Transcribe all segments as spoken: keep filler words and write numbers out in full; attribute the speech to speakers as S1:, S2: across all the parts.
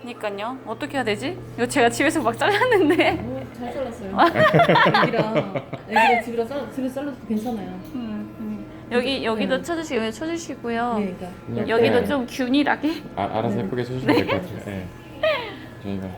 S1: 그니까요. 어떻게 해야 되지? 이거 제가 집에서 막 잘랐는데.
S2: 오, 잘 잘랐어요. 애기랑 애기랑 집이랑 잘 집에서 잘라도 괜찮아요.
S1: 음, 음. 여기 여기도
S2: 네.
S1: 쳐주시고 여기 쳐주시고요.
S2: 네, 그러니까
S3: 네.
S1: 여기도
S3: 네.
S1: 좀 균일하게.
S3: 아, 알아서 예쁘게 해주시면 될 것 같아요. 네. 저희가.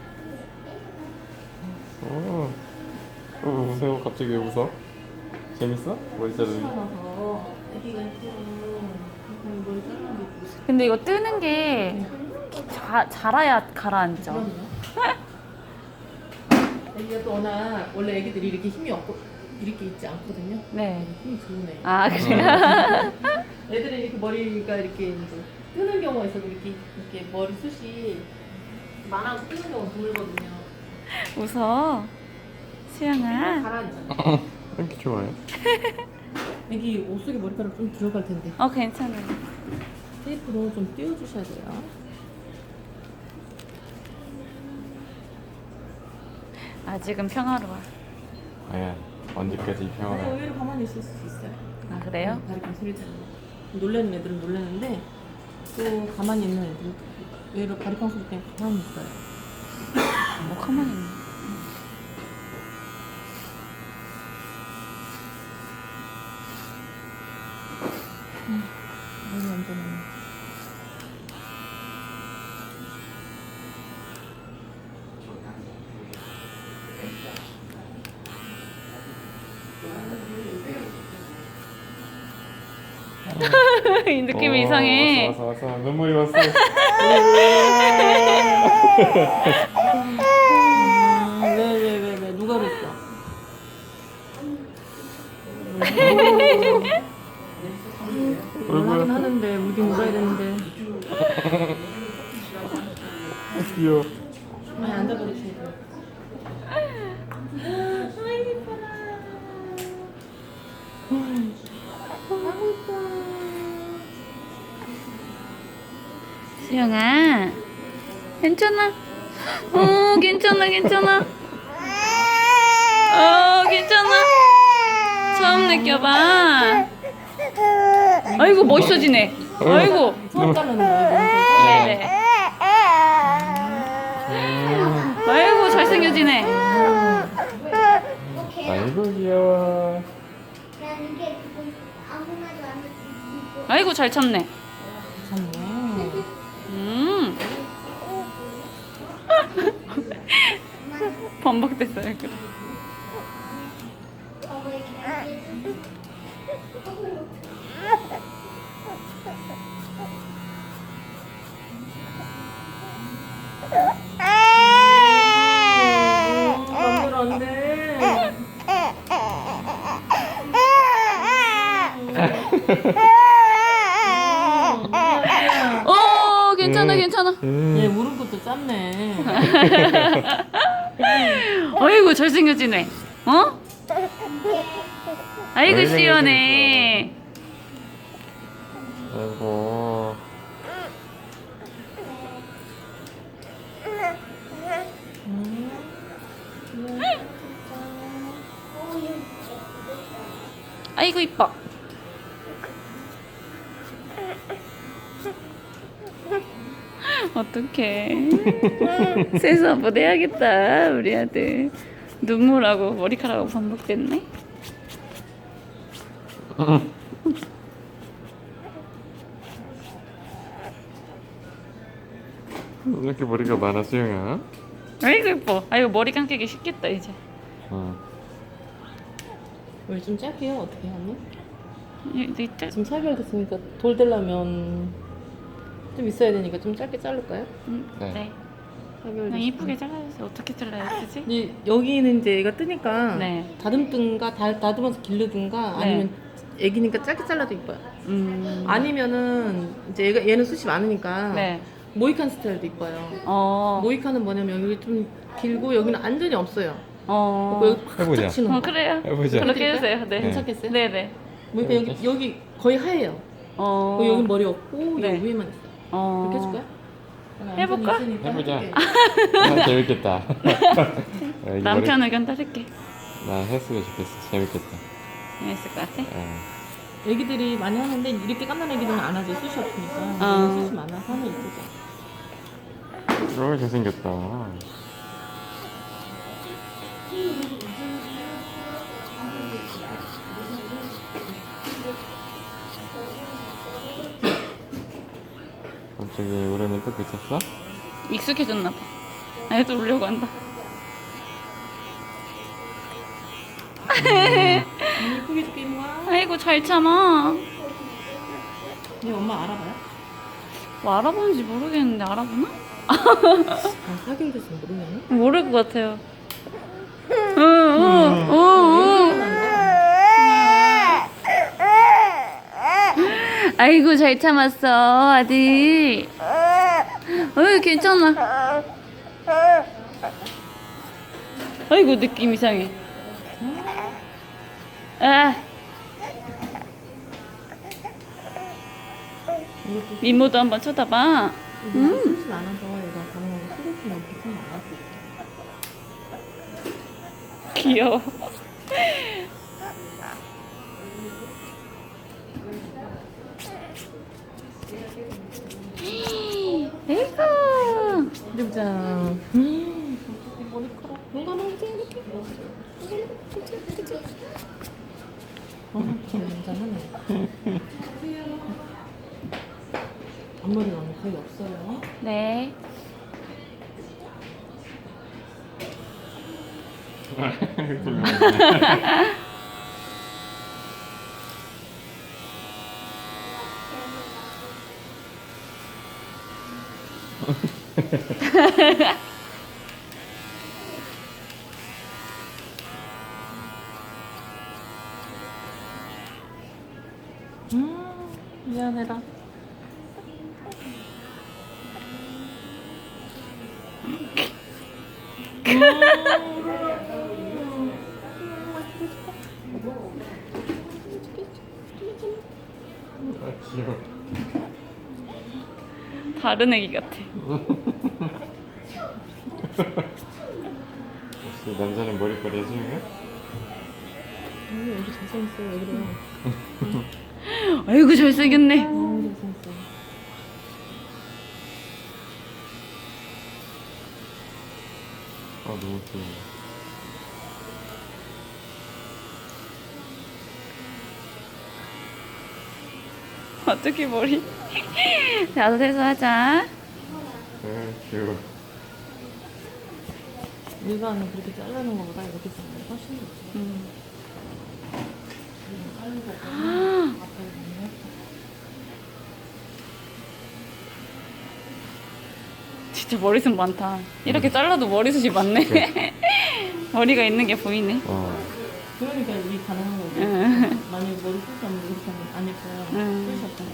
S3: 오, 오, 웃어요. 갑자기 왜 웃어? 재밌어? 머리 자르는 게?
S2: 잘라서 애기가 예쁘고 머리 잘라는 게 예쁘고.
S1: 근데 이거 뜨는 게 자, 자라야 가라앉죠.
S2: 그럼요. 애기가 또 워낙 원래 애기들이 이렇게 힘이 없고 이렇게 있지 않거든요.
S1: 네.
S2: 힘이 좋네.
S1: 아 그래요?
S2: 애들은 이렇게 머리가 이렇게 이제 뜨는 경우가 있어도 이렇게 이렇게 머리 숱이 많아서 뜨는 경우가 드물거든요.
S1: 웃어. 수영아.
S2: 가라앉아.
S3: 이렇게 좋아요?
S2: 애기 옷 속에 머리카락 좀 들어갈 텐데
S1: 어 괜찮아요.
S2: 테이프로 좀 띄워주셔야 돼요.
S1: 아직은 평화로워.
S3: 과연 언제까지
S2: 아니
S3: 평화가?
S2: 의외로 가만히 있을 수 있어요.
S1: 아 그래요?
S2: 다리깡 소리 때문에 놀라는 애들은 놀라는데 또 가만히 있는 애들은 의외로 다리깡 소리 때문에 가만히 있어요.
S1: 뭐 가만히 있네.
S2: 머리 완전
S1: 이 느낌이
S3: 오,
S1: 이상해.
S3: 왔어 왔어 왔어. 눈물이 왔어.
S2: 왜왜 왜 왜 누가 그랬어? 울긴 하는데 울긴 울어야 되는데
S3: 귀여워.
S2: 많이 앉아버리셔야 돼요. 아이 예뻐라. 아이고 예뻐.
S1: 수영아. 괜찮아. 어 괜찮아 괜찮아. 어 괜찮아. 처음 느껴봐. 아이고 멋있어지네. 아이고.
S2: 처음 자르는 거예요.
S1: 네네. 아이고 잘생겨지네.
S3: 아이고 귀여워.
S4: 난 이게 아무나도 안 했고
S1: 아이고 잘 참네.
S2: 괜찮네.
S1: 음. 반복됐어요. 그래.
S2: 맘대로 안 돼.
S1: 어 괜찮아 괜찮아.
S2: 얘 무릎 것도 짰네.
S1: 아이고 잘생겨지네. 어? 아이고
S3: 왜
S1: 시원해.
S3: 아이고.
S1: 아이고 이뻐. 어떡해. 세수 한번 해야겠다 우리 아들. 눈물하고 머리카락하고 반복됐네.
S3: 이렇게 머리가 많아 수영아?
S1: 아이고 이뻐. 아이고 머리 감기기 쉽겠다 이제.
S3: 응.
S2: 우리 좀 짧게 해요. 어떻게 하니?
S1: 이- 이때
S2: 지금 살결 됐으니까 돌 되려면 좀 있어야 되니까 좀 짧게 자를까요?
S1: 음,
S3: 네.
S1: 네.
S2: 살결
S1: 그냥
S2: 됐으니까.
S1: 이쁘게 잘라주세요. 어떻게 잘라야 되지?
S2: 이- 여기는 이제 얘가 뜨니까
S1: 네.
S2: 다듬든가 다, 다듬어서 기르든가
S1: 네.
S2: 아니면 애기니까 짧게 잘라도 이뻐요.
S1: 음.
S2: 아니면은 이제 얘가 얘는 숱이 많으니까
S1: 네.
S2: 모이칸 스타일도 이뻐요.
S1: 어.
S2: 모이칸은 뭐냐면 여기 좀 길고 여기는 완전히 없어요.
S1: 어.
S2: 그리고 여기 팍
S3: 해보자.
S2: 쫙 치는
S1: 어
S2: 거.
S1: 그래요.
S3: 해보자.
S1: 그렇게 해주세요. 네.
S2: 괜찮겠어요?
S1: 네네.
S2: 모이칸 여기 여기 거의 하얘요.
S1: 어.
S2: 그리고 여기 머리 없고
S1: 네.
S2: 여기 위에만 있어요.
S1: 어.
S2: 그렇게 해줄까요?
S1: 해볼까?
S2: 완전히 있으니까
S3: 해보자.
S2: 해볼게.
S3: 아, 재밌겠다. 애기
S1: 남편
S3: 머리-
S1: 의견 따를게.
S3: 나 했으면 좋겠어. 재밌겠다.
S1: 재밌을 것 같아.
S3: 어.
S2: 애기들이 많이 하는데 이렇게 깐난 애기들은 안 하죠. 숱이 없으니까.
S1: 어.
S2: 숱이 많아서 하면 이쁘죠.
S3: 어, 잘생겼다. 갑자기 우리는 또 그쳤어?
S1: 익숙해졌나 봐. 애도 울려고 한다.
S2: 이쁘게 줄게 이모야.
S1: 아이고 잘 참아.
S2: 네 엄마 알아봐요?
S1: 뭐 알아보는지 모르겠는데 알아보나?
S2: 아 사귄 데서 모르면?
S1: 모를 것 같아요. 응응응응. 아이고 잘 참았어 아들. 어이 괜찮아. 아이고 느낌 이상해. 아. 미모도 한번 쳐다봐.
S2: 음. 숨이 많아서 얘가 가능하면 소개팅을 못하는 거 알았어.
S1: 귀여워. 에이구.
S2: 보자. 음. 머리카락. 뭔가 너무 이렇게. 어, 참 굉장하네. 앞머리가 거의 없어요.
S1: 네.
S2: 음, 미안해라.
S3: 아, 귀여워.
S1: 다른 애기 같아.
S3: 혹시 남자는 머리빨이 해주는 거야?
S2: 언니 여기 잘생겼어. 왜 그래?
S1: 아이고 잘생겼네.
S2: 너무 잘생겼어.
S3: 아, 너무 귀여워.
S1: 어떻게 머리? 나도 세수하자.
S3: 네, 귀여워.
S2: 일반은 그렇게 자르는 것보다 이렇게 자르는 게 훨씬 좋지.
S1: 음.
S2: 자르는 거
S1: 아, 진짜 머리숱 많다. 이렇게 잘라도 머리숱이 많네. 머리가 있는 게 보이네.
S3: 어.
S2: 그러니까 이게 가능한 거지.
S1: 응.
S2: 만약에 머리 숱이 없는데 이렇게 하면 안 예뻐요.
S1: 응.
S2: 숱이 없잖아.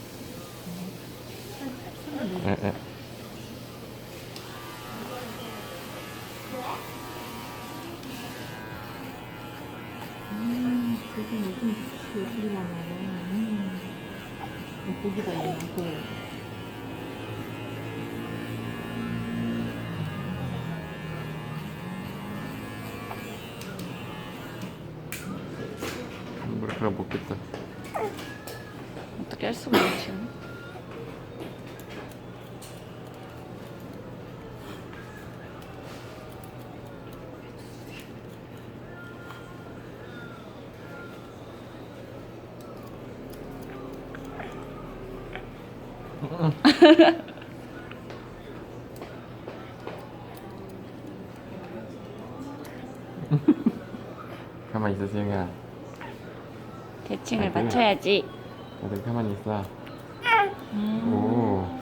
S3: 에, 에.
S2: 음, 요즘 요즘 예술이 많아. 음. 보기다 얘는.
S3: 머리카락 먹겠다.
S1: 어떻게 할 수가 있지?
S3: 가만히 있어, 수영아.
S1: 대칭을
S3: 아이고.
S1: 맞춰야지.
S3: 다들 가만히 있어.
S2: 음.
S3: 오.